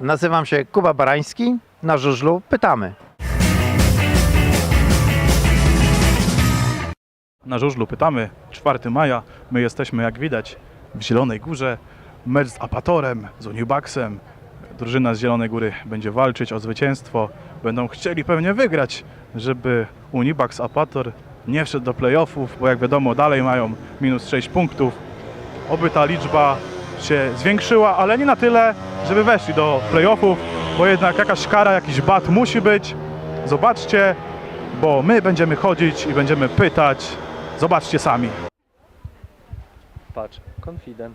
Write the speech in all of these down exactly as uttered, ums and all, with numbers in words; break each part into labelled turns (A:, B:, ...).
A: nazywam się Kuba Barański, na żużlu pytamy.
B: Na żużlu pytamy, czwartego maja, my jesteśmy jak widać w Zielonej Górze, mecz z Apatorem, z Unibaxem. Drużyna z Zielonej Góry będzie walczyć o zwycięstwo, będą chcieli pewnie wygrać, żeby Unibax Apator nie wszedł do playoffów, bo jak wiadomo dalej mają minus sześć punktów. Oby ta liczba się zwiększyła, ale nie na tyle, żeby weszli do playoffów, bo jednak jakaś kara, jakiś bat musi być. Zobaczcie, bo my będziemy chodzić i będziemy pytać. Zobaczcie sami.
C: Patrz, confident.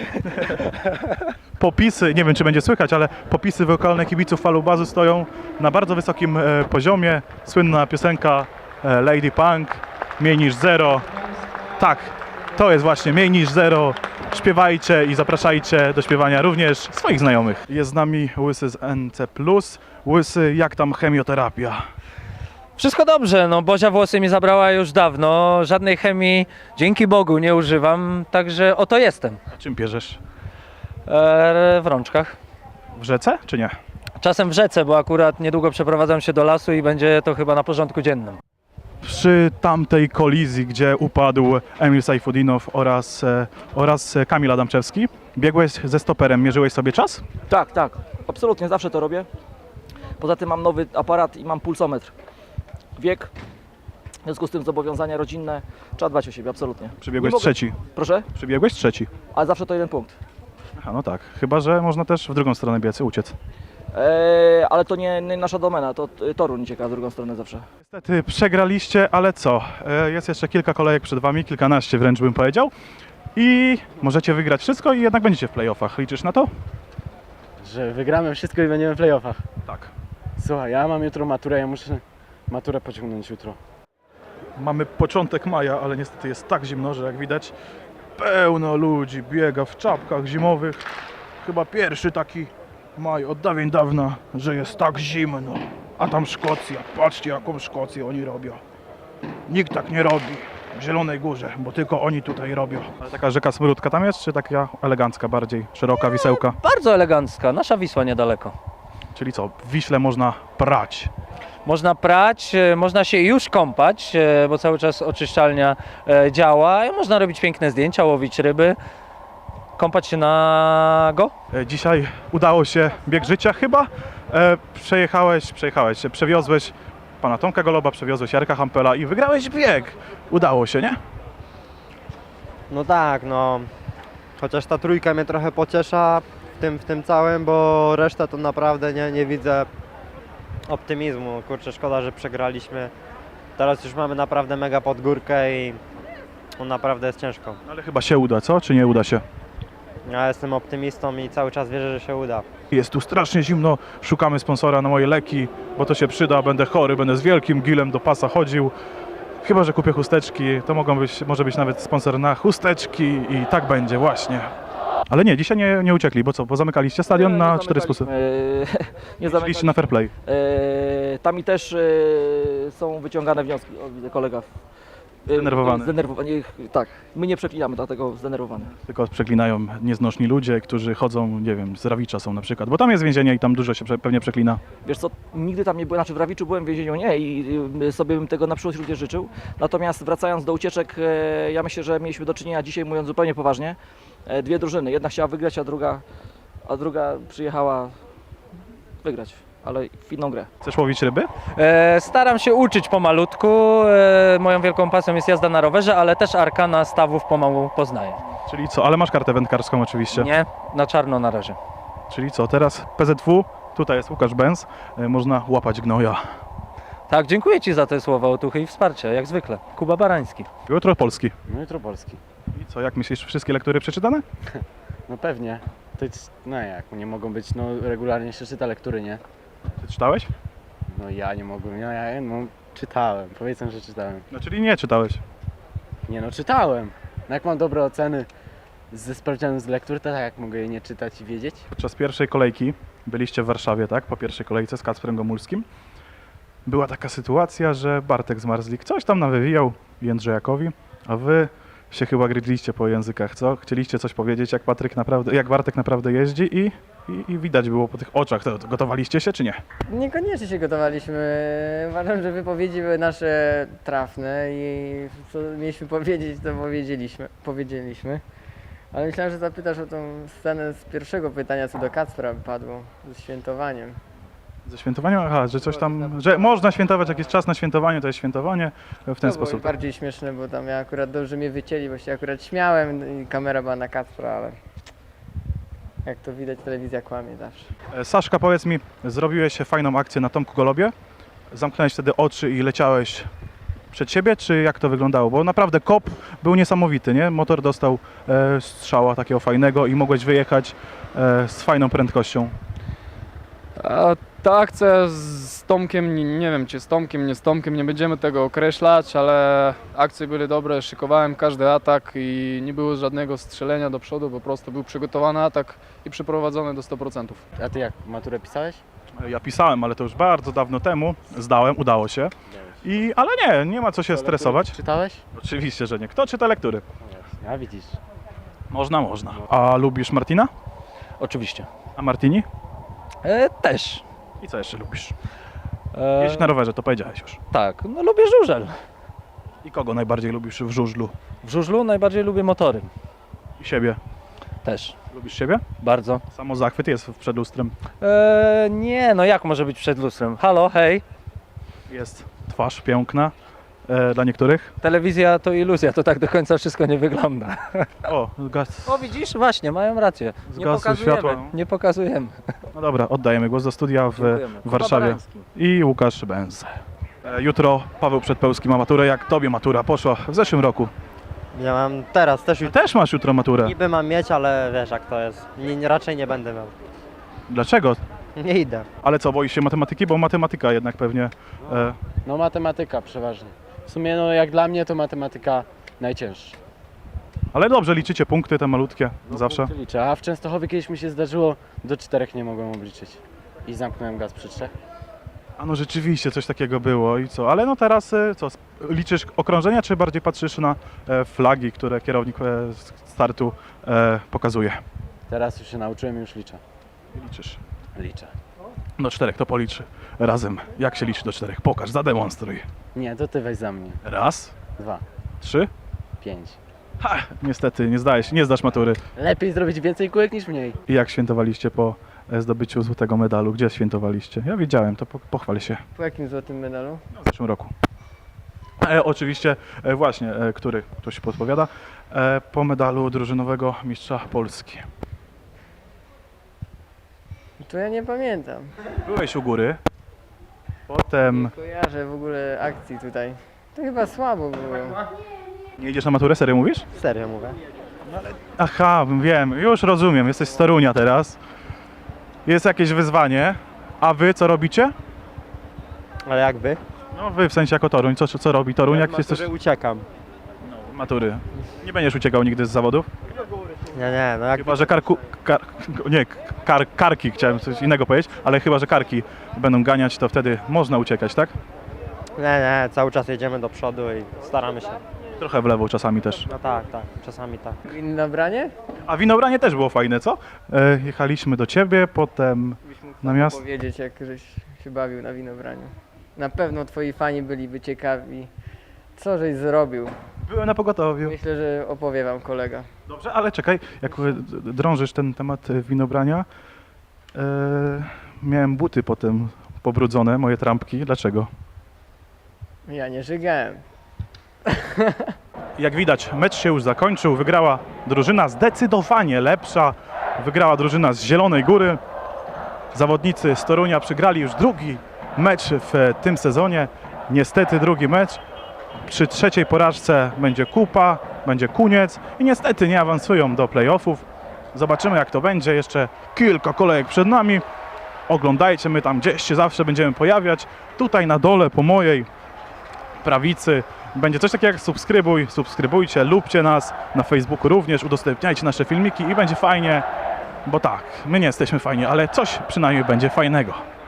B: Popisy, nie wiem czy będzie słychać, ale popisy wokalne kibiców Falubazu stoją na bardzo wysokim e, poziomie. Słynna piosenka e, Lady Punk, mniej niż zero. Tak, to jest właśnie mniej niż zero. Śpiewajcie i zapraszajcie do śpiewania również swoich znajomych. Jest z nami Łysy z N C plus. Łysy, jak tam chemioterapia?
C: Wszystko dobrze, no Bozia włosy mi zabrała już dawno, żadnej chemii, dzięki Bogu, nie używam, także oto jestem.
B: A czym pierzesz?
C: Eee, w rączkach.
B: W rzece czy nie?
C: Czasem w rzece, bo akurat niedługo przeprowadzam się do lasu i będzie to chyba na porządku dziennym.
B: Przy tamtej kolizji, gdzie upadł Emil Sajfudinow oraz, e, oraz Kamil Adamczewski, biegłeś ze stoperem, mierzyłeś sobie czas?
D: Tak, tak, absolutnie zawsze to robię. Poza tym mam nowy aparat i mam pulsometr. Wiek, w związku z tym zobowiązania rodzinne, trzeba dbać o siebie, absolutnie.
B: Przybiegłeś
D: Nie mogę-
B: trzeci.
D: Proszę?
B: Przybiegłeś trzeci.
D: Ale zawsze to jeden punkt.
B: Aha, no tak. Chyba że można też w drugą stronę biec, uciec.
D: Eee, ale to nie, nie nasza domena, to y, Toruń cieka w drugą stronę zawsze.
B: Niestety przegraliście, ale co? E, Jest jeszcze kilka kolejek przed wami, kilkanaście wręcz bym powiedział. I możecie wygrać wszystko i jednak będziecie w playoffach. Liczysz na to?
E: Że wygramy wszystko i będziemy w playoffach.
B: Tak.
E: Słuchaj, ja mam jutro maturę, ja muszę maturę pociągnąć jutro.
B: Mamy początek maja, ale niestety jest tak zimno, że jak widać pełno ludzi biega w czapkach zimowych. Chyba pierwszy taki maj od dawien dawna, że jest tak zimno. A tam Szkocja, patrzcie jaką Szkocję oni robią. Nikt tak nie robi w Zielonej Górze, bo tylko oni tutaj robią. Ale taka rzeka Smródka tam jest, czy taka elegancka bardziej, szeroka wisełka?
C: Bardzo elegancka, nasza Wisła niedaleko.
B: Czyli co, w Wiśle można prać.
C: Można prać, e, można się już kąpać, e, bo cały czas oczyszczalnia e, działa. I można robić piękne zdjęcia, łowić ryby, kąpać się nago.
B: E, Dzisiaj udało się bieg życia chyba. E, przejechałeś, przejechałeś, przewiozłeś pana Tomka Goloba, przewiozłeś Jarka Hampela i wygrałeś bieg. Udało się, nie?
F: No tak, no. Chociaż ta trójka mnie trochę pociesza w tym, w tym całym, bo resztę to naprawdę nie, nie widzę optymizmu. Kurczę, szkoda, że przegraliśmy. Teraz już mamy naprawdę mega podgórkę i no, naprawdę jest ciężko.
B: Ale chyba się uda, co? Czy nie uda się?
F: Ja jestem optymistą i cały czas wierzę, że się uda.
B: Jest tu strasznie zimno, szukamy sponsora na moje leki, bo to się przyda, będę chory, będę z wielkim gilem do pasa chodził. Chyba że kupię chusteczki, to mogą być, może być nawet sponsor na chusteczki i tak będzie właśnie. Ale nie, dzisiaj nie, nie uciekli, bo co, bo zamykaliście stadion
D: Nie,
B: na
D: nie
B: cztery spusy.
D: zamykaliśmy, eee, nie
B: Liczyliście
D: zamykaliśmy.
B: na fair play.
D: Eee, tam i też eee, są wyciągane wnioski. O, widzę kolega. Eee,
B: Zdenerwowany.
D: Zdenerwowany. Tak, my nie przeklinamy, dlatego zdenerwowany.
B: Tylko przeklinają nieznoszni ludzie, którzy chodzą, nie wiem, z Rawicza są na przykład, bo tam jest więzienie i tam dużo się prze, pewnie przeklina.
D: Wiesz co, nigdy tam nie byłem, znaczy w Rawiczu byłem, w więzieniu nie i y, sobie bym tego na przyszłość również życzył. Natomiast wracając do ucieczek, e, ja myślę, że mieliśmy do czynienia dzisiaj, mówiąc zupełnie poważnie, e, dwie drużyny. Jedna chciała wygrać, a druga, a druga przyjechała wygrać, ale w inną grę.
B: Chcesz łowić ryby?
C: E, staram się uczyć pomalutku, e, moją wielką pasją jest jazda na rowerze, ale też arkana stawów pomału poznaję.
B: Czyli co, ale masz kartę wędkarską oczywiście.
C: Nie, na czarno na razie.
B: Czyli co, teraz P Z W, tutaj jest Łukasz Benz, y, można łapać gnoja.
C: Tak, dziękuję Ci za te słowa otuchy i wsparcie, jak zwykle. Kuba Barański.
B: Jutro Polski.
E: No jutro Polski.
B: I co, jak myślisz, wszystkie lektury przeczytane?
E: No pewnie. To jest, no jak, nie mogą być, no regularnie się czyta lektury, nie?
B: Ty czytałeś?
E: No ja nie mogłem, no ja no, czytałem, powiedzmy, że czytałem.
B: No czyli nie czytałeś.
E: Nie no, czytałem. No jak mam dobre oceny ze sprawdzianem z lektur, to tak jak mogę je nie czytać i wiedzieć?
B: Podczas pierwszej kolejki byliście w Warszawie, tak? Po pierwszej kolejce z Kacprem Gomulskim. Była taka sytuacja, że Bartek Zmarzlik coś tam nawywijał Jędrzejakowi, a wy się chyba gryźliście po językach, co? Chcieliście coś powiedzieć, jak Patryk naprawdę, jak Bartek naprawdę jeździ i, i, i widać było po tych oczach. To, to gotowaliście się czy nie?
E: Niekoniecznie się gotowaliśmy. Uważam, że wypowiedzi były nasze trafne i co mieliśmy powiedzieć, to powiedzieliśmy. powiedzieliśmy. Ale myślałem, że zapytasz o tą scenę z pierwszego pytania, co do Kacpra padło, ze świętowaniem.
B: Ze świętowaniem? Aha, że coś tam, że można świętować, jak jest czas na świętowanie, to jest świętowanie w ten
E: To było
B: sposób.
E: bardziej śmieszne, bo tam ja akurat dobrze mnie wycięli, bo się akurat śmiałem i kamera była na Kacpra, ale jak to widać, telewizja kłamie zawsze.
B: E, Saszka, powiedz mi, zrobiłeś fajną akcję na Tomku Golobie, zamknąłeś wtedy oczy i leciałeś przed siebie, czy jak to wyglądało? Bo naprawdę kop był niesamowity, nie? Motor dostał e, strzała takiego fajnego i mogłeś wyjechać e, z fajną prędkością.
G: A ta akcja z Tomkiem, nie, nie wiem czy z Tomkiem, nie z Tomkiem, nie będziemy tego określać, ale akcje były dobre, szykowałem każdy atak i nie było żadnego strzelenia do przodu, po prostu był przygotowany atak i przeprowadzony do stu procentów.
E: A ty jak, maturę pisałeś?
B: E, Ja pisałem, ale to już bardzo dawno temu, zdałem, udało się. I, ale nie, nie ma co się stresować.
E: Czytałeś?
B: Oczywiście, że nie. Kto czyta lektury?
E: A widzisz.
B: Można, można. A lubisz Martina?
C: Oczywiście.
B: A Martini?
C: E, też.
B: I co jeszcze lubisz?
C: E,
B: Jeździć na rowerze, to powiedziałeś już.
C: tak, no lubię żużel.
B: I kogo najbardziej lubisz w żużlu?
C: W żużlu najbardziej lubię motory.
B: I siebie.
C: Też.
B: Lubisz siebie?
C: Bardzo.
B: Samo zachwyt jest przed lustrem.
C: E, nie, no jak może być przed lustrem? Halo, hej.
B: Jest twarz piękna e, dla niektórych.
C: Telewizja to iluzja, to tak do końca wszystko nie wygląda.
B: O, gaz.
C: O widzisz, właśnie, mają rację. Nie
B: Zgasły
C: pokazujemy,
B: światła.
C: nie pokazujemy.
B: No dobra, oddajemy głos do studia w,
C: Dziękujemy.
B: w Warszawie.
C: Kuba Barański.
B: I Łukasz Benz. E, jutro Paweł Przedpełski ma maturę. Jak tobie matura poszła w zeszłym roku?
F: Ja mam teraz też
B: Ty
F: już
B: też masz jutro maturę.
F: niby mam mieć, ale wiesz jak to jest. Nie, nie, raczej nie będę miał.
B: Dlaczego?
F: Nie idę.
B: Ale co, boisz się matematyki? Bo matematyka jednak pewnie... E,
E: No matematyka przeważnie. W sumie no jak dla mnie to matematyka najcięższa.
B: ale dobrze, liczycie punkty te malutkie zawsze.
E: Punkty liczę, a w Częstochowie kiedyś mi się zdarzyło, do czterech nie mogłem obliczyć. I zamknąłem gaz przy trzech.
B: A no rzeczywiście coś takiego było i co? Ale no teraz e, co? sp- Liczysz okrążenia, czy bardziej patrzysz na e, flagi, które kierownik e, z startu e, pokazuje?
E: Teraz już się nauczyłem i już liczę.
B: Liczysz.
E: Liczę.
B: Do czterech to policzy razem. Jak się liczy do czterech? Pokaż, zademonstruj.
E: Nie, to ty weź za mnie.
B: Raz,
E: Dwa,
B: trzy.
E: pięć.
B: Ha, niestety nie zdajesz, nie zdasz matury.
E: Lepiej zrobić więcej kółek niż mniej.
B: I jak świętowaliście po e, zdobyciu złotego medalu? Gdzie świętowaliście? Ja wiedziałem, to po, pochwal się.
E: Po jakim złotym medalu?
B: W zeszłym roku. E, oczywiście, e, właśnie, e, który ktoś podpowiada, e, po medalu drużynowego mistrza Polski.
E: To ja nie pamiętam.
B: Byłeś u góry, potem
E: Nie kojarzę w ogóle akcji tutaj. To chyba słabo było.
B: nie idziesz na maturę, serio mówisz?
F: Serio mówię.
B: Aha, wiem, już rozumiem, jesteś z Torunia teraz. Jest jakieś wyzwanie, a wy co robicie?
F: Ale jak wy?
B: No wy w sensie jako Toruń, co, co robi Toruń, jak
F: Jak
B: jesteś
F: uciekam.
B: matury? Nie będziesz uciekał nigdy z zawodów?
F: Nie, nie, no jak
B: Chyba, że karku, kar, nie, kar, karki, chciałem coś innego powiedzieć, ale chyba, że karki będą ganiać, to wtedy można uciekać, tak?
F: nie, nie, cały czas jedziemy do przodu i staramy się.
B: Trochę w lewo czasami też.
F: No tak, tak, czasami tak.
E: Inne branie?
B: A winobranie też było fajne, co? E, jechaliśmy do ciebie, potem na miasto.
E: Powiedzieć, jak żeś się bawił na winobraniu. Na pewno twoi fani byliby ciekawi, co żeś zrobił.
B: Byłem na pogotowiu.
E: Myślę, że opowie wam kolega.
B: Dobrze, ale czekaj, jak e, d- drążysz ten temat e, winobrania, e, miałem buty potem pobrudzone, moje trampki. Dlaczego?
E: Ja nie żygałem.
B: Jak widać, mecz się już zakończył. Wygrała drużyna zdecydowanie lepsza. Wygrała drużyna z Zielonej Góry. Zawodnicy z Torunia przegrali już drugi mecz w tym sezonie. Niestety drugi mecz. Przy trzeciej porażce będzie kupa, będzie koniec i niestety nie awansują do playoffów. Zobaczymy jak to będzie. Jeszcze kilka kolejek przed nami. Oglądajcie, my tam gdzieś się zawsze będziemy pojawiać. Tutaj na dole po mojej prawicy będzie coś takiego jak subskrybuj, subskrybujcie, lubcie nas na Facebooku również, udostępniajcie nasze filmiki i będzie fajnie, bo tak, my nie jesteśmy fajni, ale coś przynajmniej będzie fajnego.